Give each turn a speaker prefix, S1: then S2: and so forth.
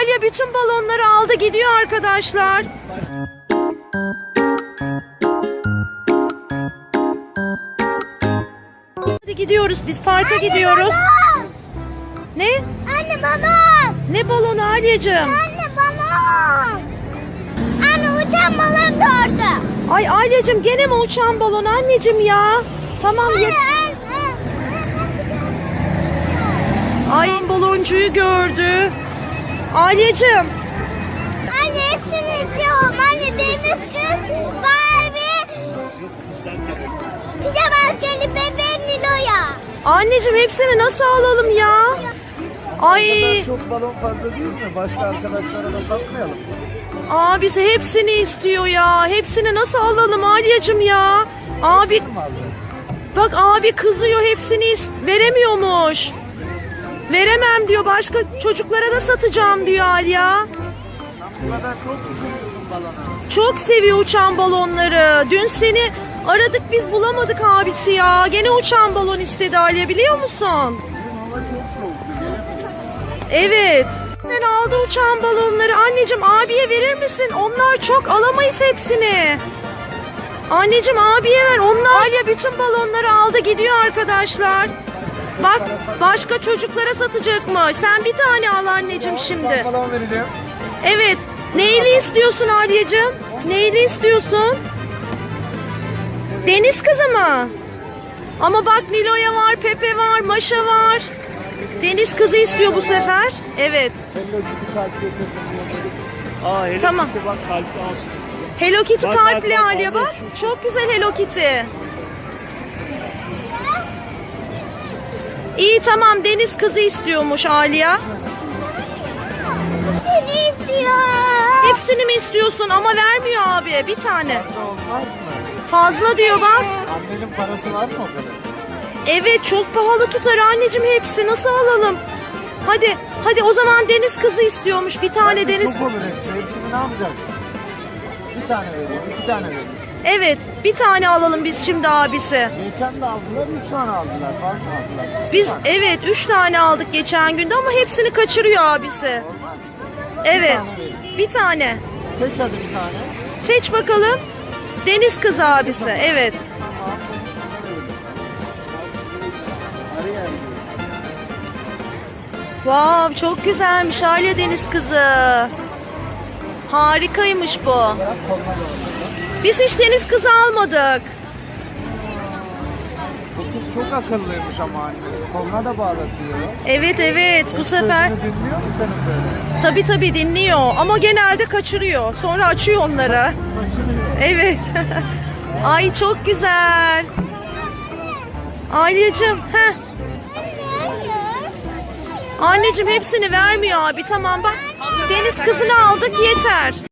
S1: Alya bütün balonları aldı gidiyor arkadaşlar. Hadi gidiyoruz, biz parka
S2: Anne,
S1: gidiyoruz.
S2: balon.
S1: Ne?
S2: Anne balon.
S1: Ne balonu Alyacığım?
S2: Anne balon. Anne uçan balon gördüm.
S1: Ay Alyacığım gene mi uçan balon anneciğim ya? Tamam
S2: Anne,
S1: ya. Ay baloncuyu gördü. Alyacığım.
S2: Anne hepsini istiyorum. Anne deniz kız, Barbie, pijama askeri bebeğin Nilo'ya.
S1: Anneciğim hepsini nasıl alalım ya? Ay
S3: kadar çok balon fazla değil mi? Başka arkadaşlara da satmayalım.
S1: abisi hepsini istiyor ya. Hepsini nasıl alalım Alyacığım ya? Abi
S3: Kim alacağız?
S1: bak abi kızıyor, hepsini veremiyormuş. Veremem diyor, başka çocuklara da satacağım diyor Alya.
S3: Bu kadar çok mu seviyorsun balonu?
S1: Çok seviyor uçan balonları. Dün seni aradık biz bulamadık abisi ya. Gene uçan balon istedi Alya, biliyor musun?
S3: Bugün hava çok soğuktu. Gelemedim.
S1: Evet. Sen aldı uçan balonları. Anneciğim abiye verir misin? Onlar çok, alamayız hepsini. Anneciğim abiye ver. Onlar Alya bütün balonları aldı gidiyor arkadaşlar. Bak başka çocuklara satacakmış. Sen bir tane al anneciğim şimdi.
S3: Balon vereceğim.
S1: Evet. Neyli istiyorsun Alyacığım? Neyli istiyorsun? Deniz kızı mı? Ama bak Nilo'ya var, Pepe var, Maşa var. Deniz kızı istiyor bu sefer. Evet.
S3: Hello Kitty kalp getirdim.
S4: Aa, Hello
S1: Tamam.
S4: Kitty bak kalpli alsın.
S1: Hello Kitty
S4: Bak,
S1: kalpli
S4: bak, bak,
S1: Alya bak. Çok güzel Hello Kitty. İyi tamam, Deniz kızı istiyormuş Alya.
S2: Seni istiyorum.
S1: Hepsini mi istiyorsun ama vermiyor abi, bir tane.
S3: Fazla olmaz mı?
S1: Fazla diyor bak.
S3: Annenin parası var mı o kadar?
S1: Evet çok pahalı tutar anneciğim, hepsi nasıl alalım? Hadi o zaman Deniz kızı istiyormuş, bir tane
S3: Bence
S1: Deniz.
S3: çok olur hepsi. Hepsini ne yapacaksın? Bir tane vereyim, iki tane vereyim.
S1: Evet bir tane alalım biz şimdi abisi.
S3: Geçen de aldılar, 3 tane aldılar. Fazla aldılar.
S1: Biz evet 3 tane aldık geçen günde ama hepsini kaçırıyor abisi. Evet bir tane.
S3: Seç hadi bir tane.
S1: Seç bakalım. Deniz kızı abisi, evet. Wow çok güzelmiş Alya Deniz kızı. Harikaymış bu. Biz hiç deniz kızı almadık.
S3: Bu kız çok akıllıymış ama annesi. Koluna da bağlatıyor.
S1: Evet bu sefer
S3: Sözünü dinliyor mu senin böyle?
S1: tabii dinliyor ama genelde kaçırıyor. Sonra açıyor onları.
S3: Başını
S1: Evet. Ay çok güzel. Alyacığım, anneciğim hepsini vermiyor abi. Tamam bak. Deniz kızını aldık yeter.